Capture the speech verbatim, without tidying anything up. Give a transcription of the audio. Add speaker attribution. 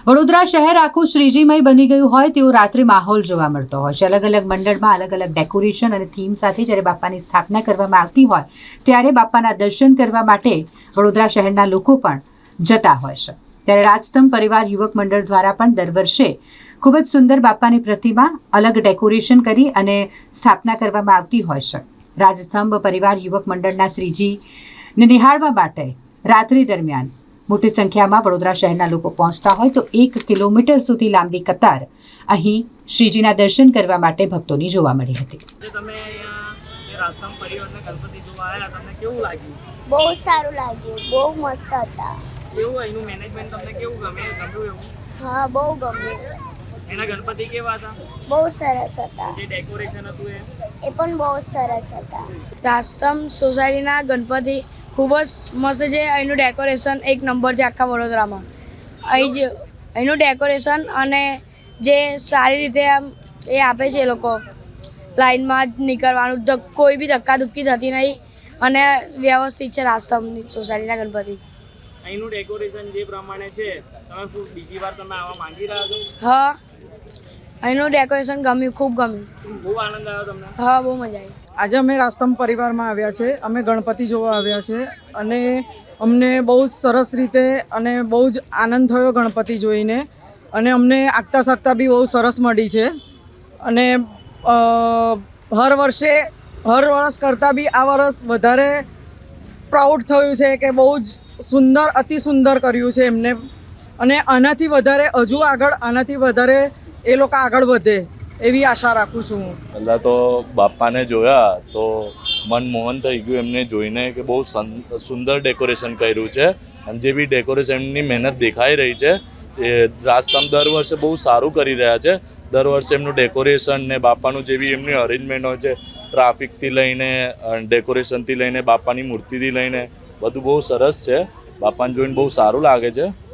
Speaker 1: વડોદરા શહેર આખું શ્રીજીમય બની ગયું હોય તેવો રાત્રે માહોલ જોવા મળતો હોય છે। અલગ અલગ મંડળમાં અલગ અલગ ડેકોરેશન અને થીમ સાથે જ્યારે બાપાની સ્થાપના કરવામાં આવતી હોય ત્યારે બાપાના દર્શન કરવા માટે વડોદરા શહેરના લોકો પણ જતા હોય છે। ત્યારે રાજસ્તંભ પરિવાર યુવક મંડળ દ્વારા પણ દર વર્ષે ખૂબ જ સુંદર બાપાની પ્રતિમા અલગ ડેકોરેશન કરી અને સ્થાપના કરવામાં આવતી હોય છે। રાજસ્તંભ પરિવાર યુવક મંડળના શ્રીજીને નિહાળવા માટે રાત્રિ દરમિયાન મોટી સંખ્યામાં વડોદરા શહેરના લોકો પહોંચતા હોય તો એક કિલોમીટર સુધી લાંબી કતાર અહીં શ્રીજીના દર્શન કરવા માટે ભક્તોની જોવા મળી હતી।
Speaker 2: તમે અહીંયા રાજસ્તંભ પરિવારના ગણપતિ જોવા આવ્યા, તમને કેવું લાગ્યું?
Speaker 3: બહુ સારું લાગ્યું, બહુ મસ્ત હતા।
Speaker 2: કેવું અહીંનું મેનેજમેન્ટ તમને કેવું ગમે? ગમ્યું એવું?
Speaker 3: હા, બહુ ગમ્યું।
Speaker 2: એના ગણપતિ કેવા હતા?
Speaker 3: બહુ સરસ હતા।
Speaker 2: જે ડેકોરેશન હતું એ
Speaker 3: એ પણ બહુ સરસ હતા।
Speaker 4: રાજસ્તંભ સોસાયટીના ગણપતિ ખૂબ જ મસ્ત છે। અહીંનું ડેકોરેશન એક નંબર છે આખા વડોદરામાં। અહીં જે અહીંનું ડેકોરેશન અને જે સારી રીતે આમ એ આપે છે એ લોકો લાઈનમાં જ નીકળવાનું, કોઈ બી ધક્કાધુક્કી થતી નહીં અને વ્યવસ્થિત છે રાજસ્તંભની સોસાયટીના ગણપતિ।
Speaker 2: અહીંનું ડેકોરેશન જે પ્રમાણે છે, તમે શું બીજી વાર તમે આવવા માંગી રહ્યા છો?
Speaker 4: હા, અહીંનું ડેકોરેશન ગમ્યું, ખૂબ ગમ્યું।
Speaker 2: બહુ આનંદ આવ્યો તમને?
Speaker 4: હા, બહુ મજા આવી।
Speaker 5: આજે અમે રાજસ્તંભ પરિવારમાં આવ્યા છે, અમે ગણપતિ જોવા આવ્યા છે અને અમને બહુ જ સરસ રીતે અને બહુ જ આનંદ થયો ગણપતિ જોઈને અને અમને આગતા સાગતા બી બહુ સરસ મળી છે અને હર વર્ષે હર વર્ષ કરતાં બી આ વર્ષ વધારે પ્રાઉડ થયું છે કે બહુ જ સુંદર અતિ સુંદર કર્યું છે એમને અને આનાથી વધારે હજુ આગળ આનાથી વધારે એ લોકો આગળ વધે એવી આશા રાખું છું હું।
Speaker 6: પહેલાં તો બાપાને જોયા તો મન મોહન થઈ ગયું એમને જોઈને કે બહુ સુંદર ડેકોરેશન કર્યું છે અને જે બી ડેકોરેશનની મહેનત દેખાઈ રહી છે એ રાજસ્તંભ દર વર્ષે બહુ સારું કરી રહ્યા છે। દર વર્ષે એમનું ડેકોરેશન ને બાપાનું જે બી એમની અરેન્જમેન્ટ હોય છે, ટ્રાફિકથી લઈને ડેકોરેશનથી લઈને બાપાની મૂર્તિથી લઈને બધું બહુ સરસ છે। બાપાને જોઈને બહુ સારું લાગે છે।